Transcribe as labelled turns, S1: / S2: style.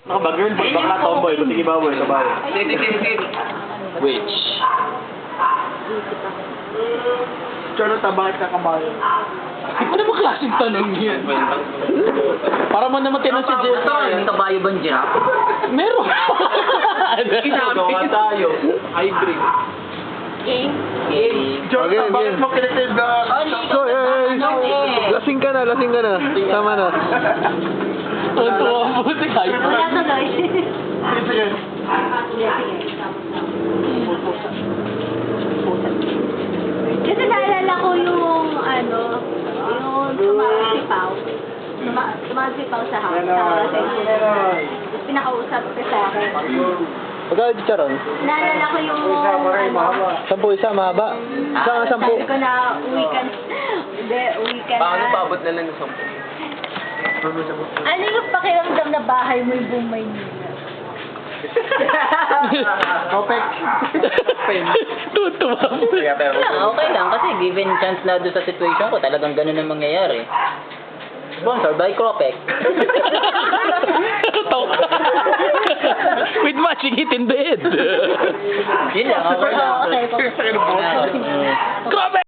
S1: Ako ba, girl, bakla, tomboy, sige baboy, kabayo.
S2: Which?
S1: Charlotte, bakit ka kabayo?
S2: Ano ba klaseng tanong yan? Para mo naman tinanong si Jessa.
S3: May kabayo ba ang giraffe?
S2: Meron.
S1: Gawa tayo. Hybrid.
S3: Game.
S1: Charlotte, bakit mo kinitib ka?
S4: So, lasing ka na. Tama na.
S2: Ang tuwa mo si Kai.
S5: Wala tuloy.
S1: Sige.
S5: Kasi naalala ko yung yung sumasipaw. Sumasipaw sa house. Tapos pinakausap ko sa akin.
S4: Magkano di charon?
S5: Naalala ko yung
S4: 10 isa, mahaba. Isa nga 10.
S5: sabi ko na uwi ka na. Hindi, uwi ka na.
S2: Paano paabot na lang ng 10?
S5: Ano yung pakiramdam na bahay mo yung buong Maynila?
S1: Kopek.
S2: Tutuwa mo.
S3: Okay lang kasi given chance na doon sa situation ko, talagang ganun ang mangyayari. Sponsor by Cropec.
S2: With matching it in bed.
S3: Yun lang, okay lang.
S5: Okay,
S2: Grabe!